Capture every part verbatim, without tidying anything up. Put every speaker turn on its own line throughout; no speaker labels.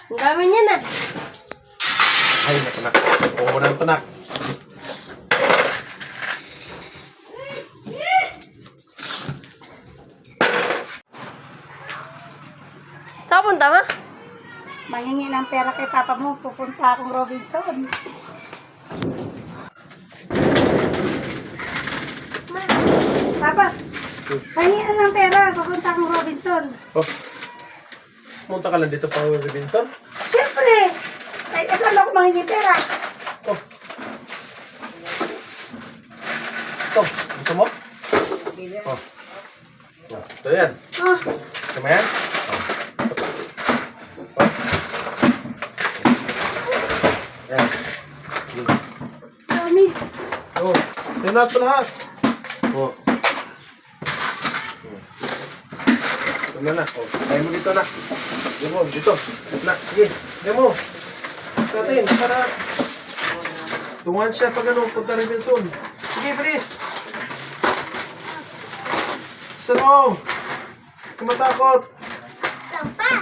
Ang dami niya na.
Ay, natunak. Oo, nang tunak.
Saan punta ma?
Mahingi ng pera kay papa mo, pupunta akong Robinson. Papa, mahingi na ng pera, pupunta akong Robinson.
Oh. Pumunta ka lang dito pa, Robinson?
Siyempre, ay kasal ako mahingi pera.
Oh. Ito, gusto mo? Oh. Oh. Ito yan.
Oh,
Gusto mo yan? Oh. Oh. Yan.
dami.
Oh. Ito na ito lahat. Oh. Ito na na. Oh. Tayo mo dito na. Diyan mo, dito. Na, sige. Diyan mo. Natin, para tungan siya pag ano, punta rin din soon. Sige, bilis. Saan mo? Kumatakot.
Tampa.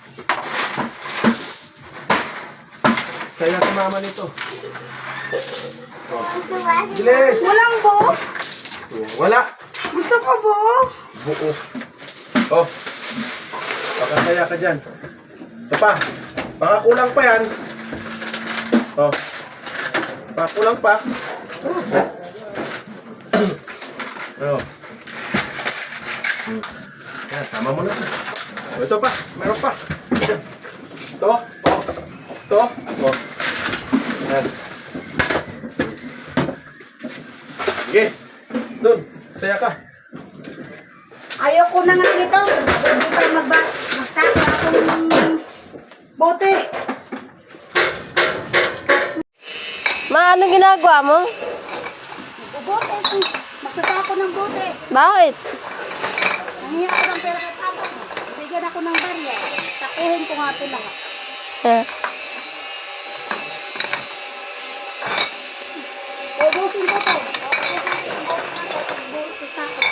Saya ka mama nito. Oh. Bilis.
Walang buo.
Wala.
Gusto ko buo.
Buo. Oh. Pakasaya ka dyan. Ito pa. Baka kulang pa yan. Oh. Baka kulang pa. Oh. Oh. Yan, tama mo na. Oh, ito pa. Meron pa. Ito. Oh. Ito. Oh. Yan. Sige. Doon. Saya ka.
Ayoko na nga nito. Hindi pa magba magsaka akong bote.
Ma, ano ginagawa mo?
Bote. Magsaka ako ng bote.
Bakit?
Nangiyak ako ng pera kay papa mo. Bigyan ako ng barya. Takuhin ko nga ito lahat.
Eh.
Ubusin ko to. Ubusin ko to.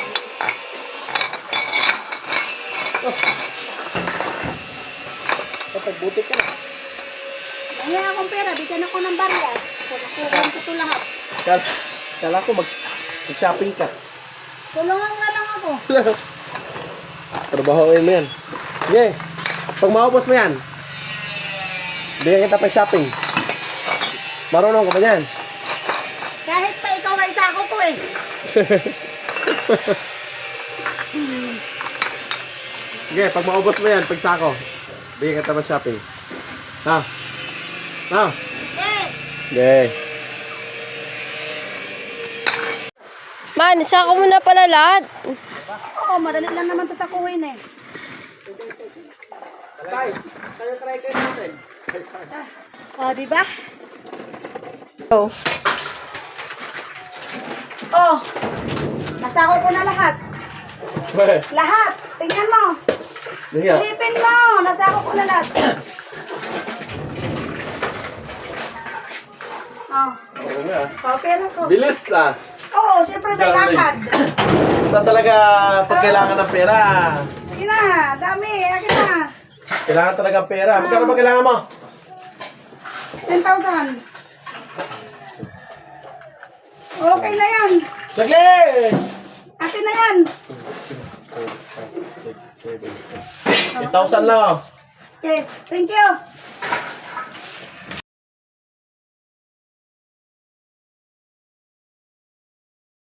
Kapag buti ka na.
Nangiyak akong pera. Bigyan ako ng barya. Takuhin ko ito lahat.
Kala, kala ko mag, mag-shopping ka.
Tulungan nga lang ako.
Trabahoin mo yan. Sige. Pag maubos mo yan, bigyan kita pa shopping. Marunong ka ba yan?
Kahit pa ikaw na isa ako ko eh.
Sige, pag maubos mo yan, pag sako, bigyan kita pa shopping. Ha? Ha?
Eh,
Okay.
Man, isa ko muna pala lahat.
oo, madali lang naman ito sa kuhin eh.
Tay, tayo try kayo natin.
O, di ba?
Oh.
Oh, nasako ko na lahat.
Weh,
Lahat. Tingnan mo.
niya.
Silipin mo. Nasako ko na lahat. Oh,
Oo nga.
oh, pera ko.
Bilis ah.
Oo, syempre may
Darling.
lakad.
Basta talaga pag kailangan ng pera.
Sige na, dami. Akin na.
Kailangan talaga ng pera. Magkano ba kailangan mo?
ten thousand. Okay na yan.
Saglit!
Akin na yan.
eight thousand lang.
Okay, thank you.